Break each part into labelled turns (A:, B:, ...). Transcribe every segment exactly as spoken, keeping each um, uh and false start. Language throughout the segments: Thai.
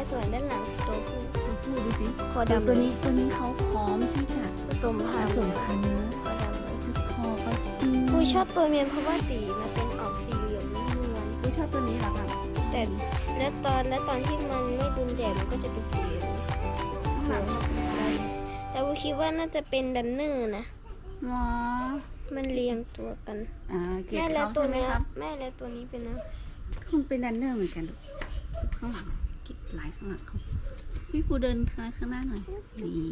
A: ส่วนด้านหลังตัวผู้
B: ตัวผู้ดูสิ
A: คอดำ
B: ตัวนี้ตัวนี้เขาพร้อมที่จะ
A: ผสม
B: ผ
A: พันธุ์
B: สมพันธุ์นะ
A: คอดำเลย
B: คอเขา
A: ปูชอบตัวเมียเพราะว่าสีมันเป็นออกสีเหลืองนุ่มนวล
B: ผู้ชอบตัวนี้เหรอคะ
A: แต่และตอนและตอนที่มันไม่โดนแดดมันก็จะเป็นสีเหลือง
B: ข้างหลังเขาเป็นอะไร
A: แต่ปูคิดว่าน่าจะเป็นดันเนอร์นะ
B: อ๋อ
A: มันเรียงตัวกัน
B: อ่าเก็บ
A: แม่และ
B: เขา
A: ตัว
B: ใช่ไหม
A: เนี้ย
B: ครับ
A: แม่และตัวนี้เป็นนะ
B: คุณเป็นดันเนอร์เหมือนกันลูกข้างหลังกิดลายข้างหลังเขาพี่ปูเดินข้างข้างหน้าหน่อยนี่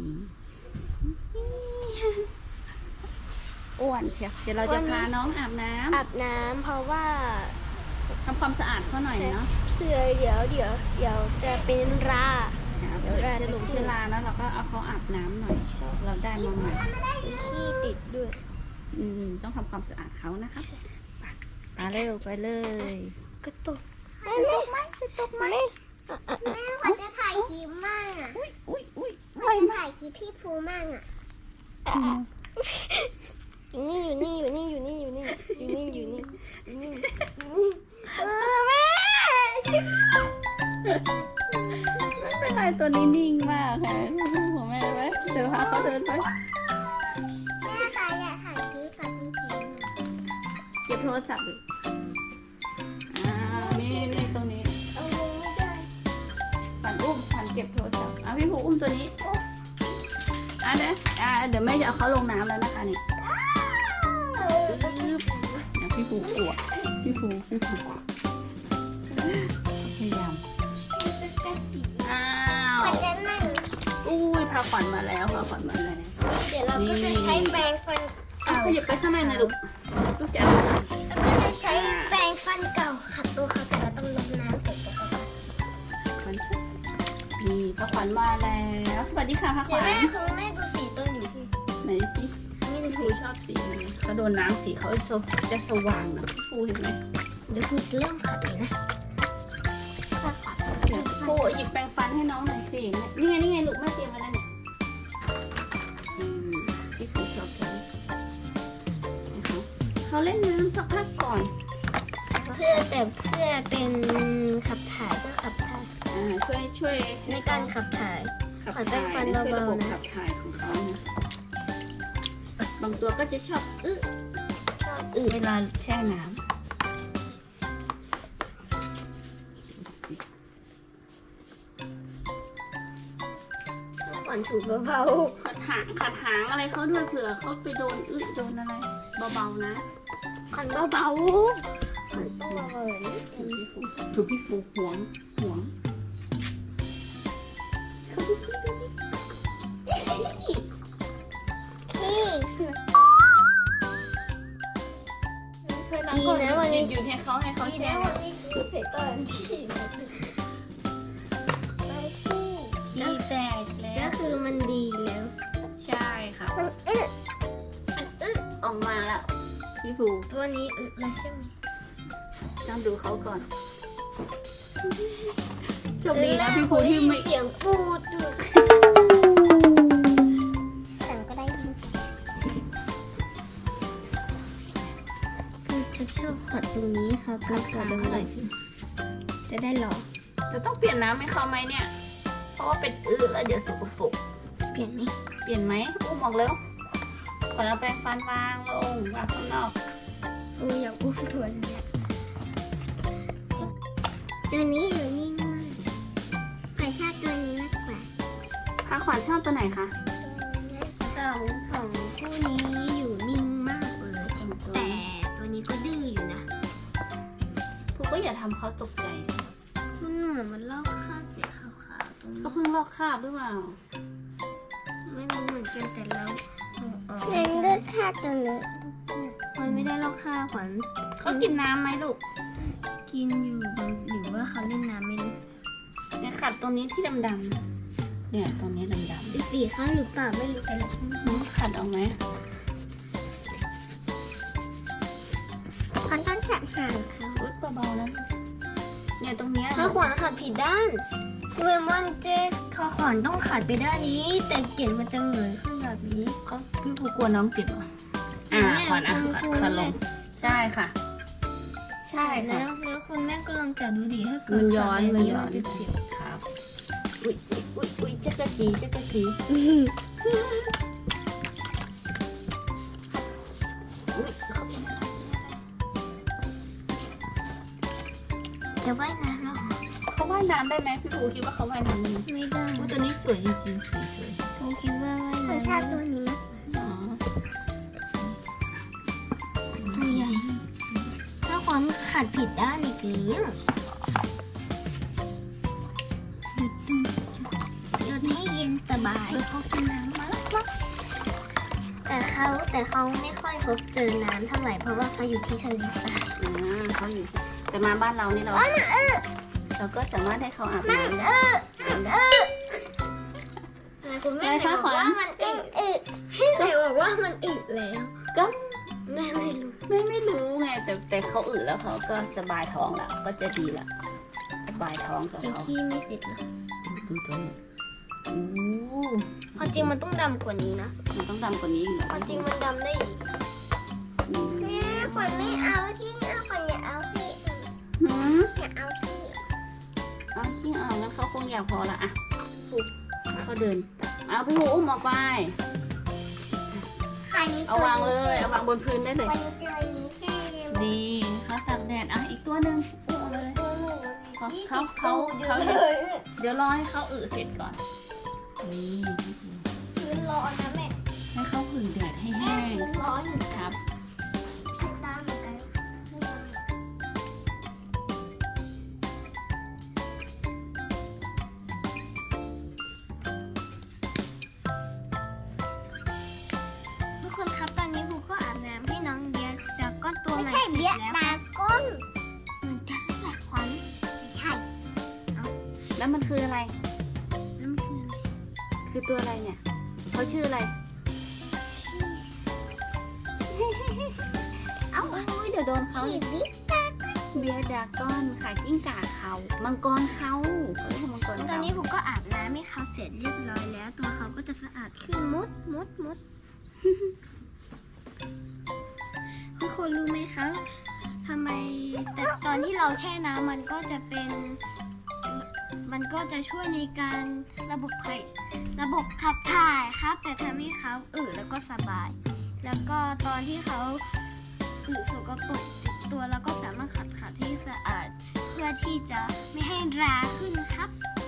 B: อ้วนเชียวเดี๋ยวเราจะพาน้องอาบน้ำ
A: อาบน้ำเพราะว่า
B: ทำความสะอาดเขาหน่อยเนาะ
A: เผื่อเดี๋ยวเดี๋ยวเดี๋ยวจะเป็นรา
B: เดี๋ยวเชื้อลงเชื้อราแล้วเราก็เอาเขาอาบน้ำหน่อย เราได้มาใหม่
A: มีขี้ติดด้วย
B: อืมต้องทำความสะอาดเขานะคะไปไปเร็วไปเลย
A: กระตุก
C: จะตกไหมจะตกไหมแม่ขวัญจะถ่ายคลิปมั่งอ่ะ
B: อุ้ยอุ้ยอุ้ย
C: ขวัญจะถ่ายคลิปพี่ภูมั่งอ่ะ
A: อยู่นี่อยู่นี่อยู่นี่อยู่นี่อยู่นี่อยู่นี่อยู่นี่อยู่นี่เออแม่
B: ไม่เป็นไรตัวนี้นิ่งมากค่ะของแม่ไหมเดี๋ยวพาเขาเดินไป
C: แม่คะอยากถ่ายคลิปกับพี่ภู
B: เก็บโทรศัพท์ดิอ่านี่นี่ตรงนี้
A: เอาลงไม่ได้
B: ฝันอุ้มฝันเก็บโทรศัพท์อ่ะพี่ผูอุ้มตัวนี้อ่ะเดี๋ยวอ่ะเดี๋ยวแม่จะเอาเขาลงน้ำแล้วนะคะนี่ปึ๊บอ่ะพี่ผูกลัวพี่ผูพี่ผูกลัวพยายามอ้า
C: ขวั
B: ว
C: ญจะนั่ง
B: อุ้ยพาขวัญมาแล้วพาขวัญมาแล้ว
A: เดี๋ยวเราก็จะใช้แปรงฟัน
B: อ่ะขยับไปข้างในหน่อยลูกลูกจ๋า
C: แล้วก็จะใช้แปรงฟันเก่าขัดตัวเขาแต่เราต้องลงน้ำใส่ตัวเขาก่อน
B: ขวัญนี่พาขวัญมาแล้วสวัสดีค่ะพาข
A: เดี๋ย
B: วั
A: ว
B: ญ
A: แม่คุณแม่ดูสีต้นอยู่ที่
B: ไหนสิ
A: นี่ดู
B: พี่
A: สี
B: ผูชอบสีอะไรเขาโดนน้ำสีเขาจะสว่างนะพี่ผูเห็นไหม
A: เดี๋ยวคุณจะเริ่มขัดเลยนะ
B: เดี๋ยวผูหยิบแปรงฟันให้น้องหน่อยสินี่ไงนี่ไงลูกแม่เตรียมไว้แล้วเนี่ยอืมพี่ผูชอบสีนะคะเขาเล่นน้ำสักพักก่อน
A: เพื่อแต่เพื่อเป็นขับถ่ายก็ขับถ่าย
B: อ่าช่วยช่วย
A: ในการขับถ่าย
B: ขับ
A: ขอแปร
B: ถ่าย
A: งฟัน
B: ช่วยระบบ
A: เบาๆนะ
B: ขับถ่ายของเขานะบางตัวก็จะชอบอึอึเวลาแช่น้ำ
A: ก่อนถูเบา
B: ขัดหางขัดหางอะไรเขาด้วยเผื่อเขาไปโดนอึโดนอะไรเบาๆนะ
A: ๆขันเบาๆขันต้องเบาๆแบบนี้
B: ถูกพี่ฟูหวงหวง
C: พี่
A: ดีนะวันนี้
B: หยุดให้เขาให้เขา
A: ดี
B: แช่
A: นะวันนี้ชื่อเพจตอนที่
C: ไปพี่
B: ขี้แตกแล้
A: ก็
B: ว
A: คือมันดีแล้ว
B: ใช่ค่ะ
C: มันอึะ
B: อันอึออกมาแล้วพี่ฟู
A: ตัวนี้อึเลยใช่ไหม
B: ต้องดูเขาก่อนโชคดีนะพี่ฟูที่ไม่
A: เสียงปูดด้วย
C: แต่ก็ได้ยิน
A: คือจะชอบขัดตรงนี้ค่ะ
B: ขัด
A: ขั
B: ขา
A: ดตรง
B: หน่อย
A: นี้
B: สิ
A: จะได้หรอ
B: จะต้องเปลี่ยนน้ำให้เขาไหมเนี่ย เพราะว่าเป็นอึแล้วเดี๋ยวสกปรก
A: เปลี่ยนไหม
B: เปลี่ยนไหมอุ้มออกเร็วก่อนเอาแปรงฟันวางลงวางข้างนอก
A: โอ้ยอยากอุ้มตัวนี้
C: ตัวนี้อยู่นิ่งมากขวัญชอบตัวนี้มากกว่า
B: พาขวัญชอบตัวไหนคะ
A: สองของคู่นี้อยู่นิ่งมากเลย แต่ตัวนี้ก็ดื้ออยู่นะ
B: พวกก็อย่าทำเขาตกใจสิ
A: มันเหมือนมันลอกคราบสีขาวๆตรงนี้
B: เขาเพิ่งลอกคราบหรือเปล่า
A: ไม่รู้เหมือนกันแต่เราเอาออก
C: นั่นก็ค่าตัวนี้
A: มันไม่ได้ลอกคราบขวัญ
B: เขากินน้ำไหมลูก
A: กินอยู่บางหรือว่าเขาเล่นน้ำไม่รู้
B: เนี่ยขัดตรงนี้ที่ดำๆเนี่ยตรงนี้ดำ
A: อีกสีข้างหรือเปล่าไม่รู้แต่ละ
B: ๆขัดออกไหม
C: ขวัญต้องจับหางเขา
B: อุ๊ยเบาๆนะเนี่ยตรงเนี้ย
A: ถ้าขวัญขัดผิดด้านเวมอนเจ๊เขาขวัญต้องขัดไปด้านนี้ แต่เกล็ดมันจะเหงยขึ้นแบบนี้
B: เขาพี่ผูกลัวน้องเจ็บเหรออ่า
A: แม่
B: ขวัญอ่ะ
A: คุณครู
B: ขัดลงใช่ค่ะ ใช่ค่ะ
A: แล้วแล้วคุณแม่ก็ลองจับดูดิถ้าเกิด
B: มันย้อน
A: ขัดแบบ
B: มันย้อน
A: จะเจ็บ
B: ครับจักรจีจักรจีอุ๊ยเขาเป็นอะไร
A: จะว่ายน้ำแล้วเหรอ
B: เขาว่ายน้ำได้ไหมพี่ปูคิดว่าเขาว่ายน้ำได้ไหม
A: ไม่ได้
B: อุ๊ยตัวนี้สวยจริงๆสีสวย
A: ผมคิดว่าว่าย
C: เขา
A: น้ำ
C: ชอบตัวนี้มั้ย
B: อ๋อ
A: ตัวใหญ่ ถ้าขวัญขัดผิดด้านอีกแล้วหยุดให้เย็นสบาย
B: แล้วเขากินน้ำมาแล้ว
A: แต่เขาแต่เขาไม่ค่อยพบเจอน้ำเท่าไหร่เพราะว่าเขาอยู่ที่ทะเลทราย
B: อ่าเขาอยู่ที่แต่มาบ้านเรานี่เราเราก็สามารถให้เขาอาบน้ำได้
A: คุณแม่ไหนบอกว่ามันอึไหนบอกว่ามันอึแล้ว
B: ก็
A: แม่ไม่รู้
B: ไม่ไม่รู้ไงแต่แต่เขาอึแล้วเขาก็สบายท้องแล้วก็จะดีละสบายท้องกับ
A: ยัง
B: เขา
A: ขี้ไม่เสร็จนะ
B: ดูตัวนี้โอ้
A: ความจริงมันต้องดำกว่านี้นะ
B: มันต้องดำกว่านี้อีกเหรอ
A: ความจริงมันดำได้อีก
B: อืม
C: แม่ขวัญไม่เอาที่เอาขวัญอย่าเอาที่
B: หืม
C: อย่าเอาที่
B: เอาขี้เอางั้นเขาคงอยากพอละอ่ะเขาเดินเอาพี่หูอุ้มออกไป
C: ขวัญนี้
B: เอาวางเลยเอาวางบนพื้นได้เลย
C: ขวัญนี้ตัวนี้แค่เดียว
B: ดีเขาตากแดดอ่ะอีกตัวหนึ่งอุ้มเอาไปเลย
C: ตัวหนู
B: เขาเขาเขาเขาเดี๋ยวเดี๋ยวรอให้เขาอึเสร็จก่อนนี่
A: พื้นร้อนนะแม่
B: ให้เขาผึ่งแดดให้แห้ง
A: พื้นร้อน
B: ครับ
C: ตามเหมือนกัน
A: ทุกคนครับตอนนี้บูก็อาบน้ำให้น้องเบียร์จากก้อนตัว
C: ไม่
A: ใหม่
C: ใช่
A: เสร็จ
C: เบี้ย
A: แล้ว
C: ตาก้น
A: เหมือนกันแหละขวัญ
C: ไม่ใช่
B: แล้วมันคืออะไร
A: น้ำคืออะไร
B: คือตัวอะไรเนี่ยเขาชื่ออะไร เอ้าอุ๊ยเดี๋ยวโดนเขา
C: ที่
B: อีก
C: บิ๊ก
B: เบียร์ดรากอนค่ะกิ้งก่าเขามังกรเขาเอ้ยมังกร
A: ตอ
B: เขา
A: นนี้บูก็อาบน้ำให้เขาเสร็จเรียบร้อยแล้ว ตัวเขาก็จะสะอาดขึ้นมุดมุดมุด คุณครูรู้ไหมคะทำไมแต่ตอนที่เราแช่น้ำมันก็จะเป็น มันก็จะช่วยในการระบบไขระบบขับถ่ายครับ แต่ทำให้เขาอึแล้วก็สบาย แล้วก็ตอนที่เขาอึสกปรกติดตัวแล้วก็สามารถขัดขัดให้สะอาด เพื่อที่จะไม่ให้ราขึ้นครับ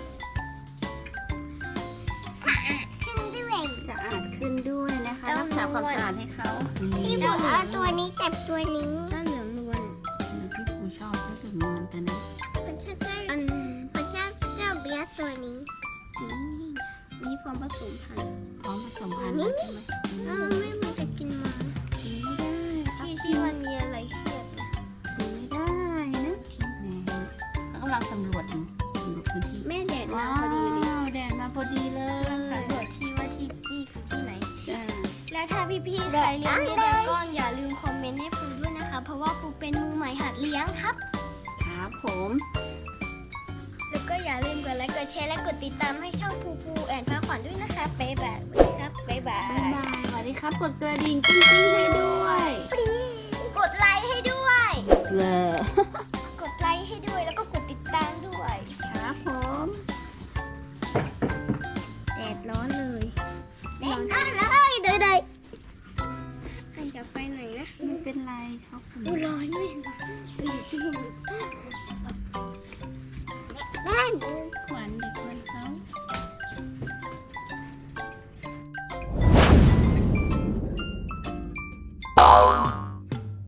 C: สะอาดขึ้นด้วย
B: สะอาดขึ้นด้วยนะคะ
A: เจ้า
B: รักษาความสะอาดให้เขา
C: พี่ผมเอาตัวนี้จับตัวนี้
A: เจ้าเหลืองนวล
B: พี่ครูชอบเขาถึงมันแต่นะ
C: มันชอบเจ้า
A: อัน
C: มันชอบเจ้าเบี้ยตัวนี้
A: นี้นี่ฟอร์มผสมพันธุ์
B: พร้อมผสมพันธุ์แล้วใช่ไหม
A: เออไม่มันจะกินมา
B: กินไม่ได้ครับ
A: ที่ที่มันมีอะไรเครียดนะ
B: กินไม่ได้นะนี่เขากำลังสำรวจอยู่สำรวจพื้นที่
A: แม่แดดมา
B: ว้า
A: พอดีเลยว
B: แดดมาพอดีเลย
A: สำรวจที่ว่าที่นี่คือที่ไหน
B: จ้า
A: แล้วถ้าพี่ๆใครเลี้ยงเบี้ยดราก้อนอย่าลืมคอมเมนต์ให้ปูด้วยนะคะ เพราะว่าปูเป็นมือใหม่หัดเลี้ยงครับ
B: ครับผม
A: แล้วก็อย่าลืมกดไลค์กดแชร์และกดติดตามให้ช่องปูปูแอนฟ้าขวัญด้วยนะคะบ๊ายบายครับบ๊ายบา
B: บ๊าย
A: ย
B: บายสวัสดีครับกดกระดิ่งกิ้งกิ้งให้ด้วย
A: กดไลค์ให้ด้วย
B: เลย
A: กดไลค์ให้ด้วยแล้วก็กดติดตามด้วย
B: ครับผม
A: แดดร้อนเลย
C: เด็กน้อยเลยเด็ก
A: ใครจะไปไหนนะ
B: ไม่เป็นไรเขาคุณ
A: อูร้อนไม่ร้อน
C: ๆแม่